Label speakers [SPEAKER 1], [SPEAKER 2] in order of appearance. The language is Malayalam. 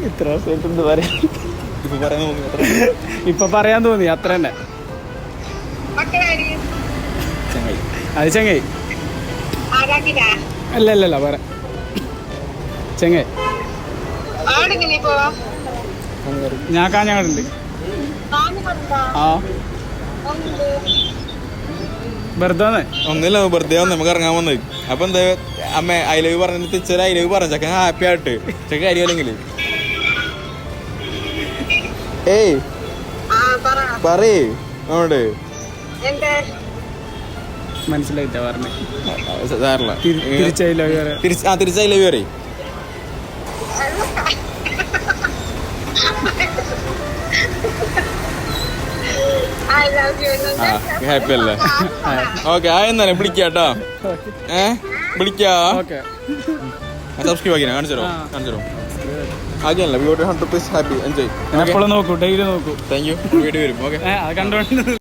[SPEAKER 1] ഇത്ര വർഷമായിട്ട് എന്ത് പറയാ,
[SPEAKER 2] ഇപ്പൊ പറയാൻ തോന്നി അത്ര തന്നെ. അത് ചെങ്ങായി അല്ല പറ ചെങ്ങായി. ഞാൻ കാഞ്ഞങ്ങാടുണ്ട്. ആ വെറുതെ
[SPEAKER 1] ഒന്നുമില്ല, വെറുതെ വന്ന് നമുക്ക് ഇറങ്ങാൻ വന്നത്. അപ്പൊ എന്താ അമ്മ ഐ ലവ് പറഞ്ഞിട്ട് തിരിച്ചൊരു ഐ ലവ് പറഞ്ഞ ചെക്കൻ ഹാപ്പി ആയിട്ട് ചെക്ക കാര്യമല്ലെങ്കിൽ ഏയ് പറയേ അങ്ങോട്ട്
[SPEAKER 2] മനസ്സിലായിട്ടാ പറഞ്ഞേ.
[SPEAKER 1] തിരിച്ച് ഐ ലവ് പറയും. ഹാപ്പി അല്ലേ? ഓക്കെ ആ എന്നാലും വിളിക്കാട്ടോ. വിളിക്കാ. സബ്സ്ക്രൈബ് ആക്കി കാണിച്ചോ ആക്കിയല്ല. 100% ഹാപ്പി എൻജോയ്.
[SPEAKER 2] എപ്പോഴും നോക്കൂ, ഡെയിലി നോക്കൂ.
[SPEAKER 1] Thank you. വീഡിയോ വരും. ഓക്കെ
[SPEAKER 2] അത് കണ്ടോണ്ട്